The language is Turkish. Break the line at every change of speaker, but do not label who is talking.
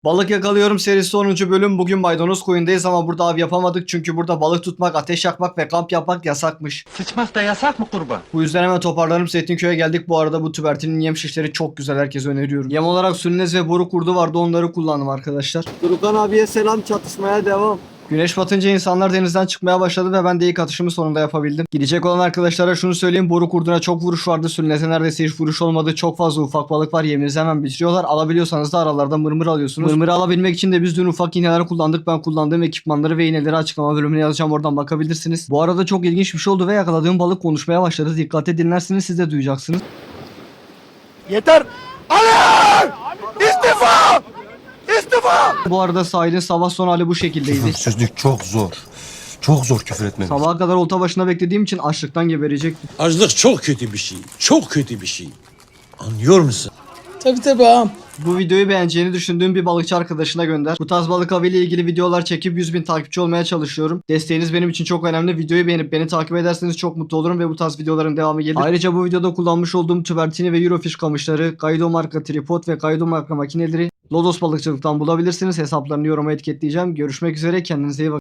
Balık Yakalıyorum serisi 10. bölüm. Bugün maydanoz koyundayız ama burada av yapamadık çünkü burada balık tutmak, ateş yakmak ve kamp yapmak yasakmış.
Sıçmak da yasak mı kurban?
Bu yüzden hemen toparlanıp Zeytinköy'e geldik. Bu arada bu tübertinin yem şişleri çok güzel, herkese öneriyorum. Yem olarak sülnez ve boru kurdu vardı, onları kullandım arkadaşlar.
Durukan abiye selam, çatışmaya devam.
Güneş batınca insanlar denizden çıkmaya başladı ve ben de ilk atışımı sonunda yapabildim. Gidecek olan arkadaşlara şunu söyleyeyim, boru kurduna çok vuruş vardı, sülneze neredeyse hiç vuruş olmadı. Çok fazla ufak balık var, yeminizi hemen bitiriyorlar. Alabiliyorsanız da aralardan mırmır alıyorsunuz. Mırmırı alabilmek için de biz dün ufak iğneler kullandık. Ben kullandığım ekipmanları ve iğneleri açıklama bölümüne yazacağım, oradan bakabilirsiniz. Bu arada çok ilginç bir şey oldu ve yakaladığım balık konuşmaya başladı. Dikkatle dinlersiniz, siz de duyacaksınız.
Yeter! Alın! İstifa! İstifa!
Bu arada sahilin sabah son hali bu şekildeydi.
Küfürsüzlük çok zor. Çok zor küfür etmemiz.
Sabaha kadar olta başına beklediğim için açlıktan geberecektim.
Açlık çok kötü bir şey. Çok kötü bir şey. Anlıyor musun?
Tabii ağam.
Bu videoyu beğeneceğini düşündüğüm bir balıkçı arkadaşına gönder. Bu tarz balık avı ile ilgili videolar çekip 100.000 takipçi olmaya çalışıyorum. Desteğiniz benim için çok önemli. Videoyu beğenip beni takip ederseniz çok mutlu olurum ve bu tarz videoların devamı gelir. Ayrıca bu videoda kullanmış olduğum tübertini ve Eurofish kamışları, Kaido marka tripod ve Kaido marka makineleri Lodos balıkçılıktan bulabilirsiniz. Hesaplarını yoruma etiketleyeceğim. Görüşmek üzere, kendinize iyi bakın.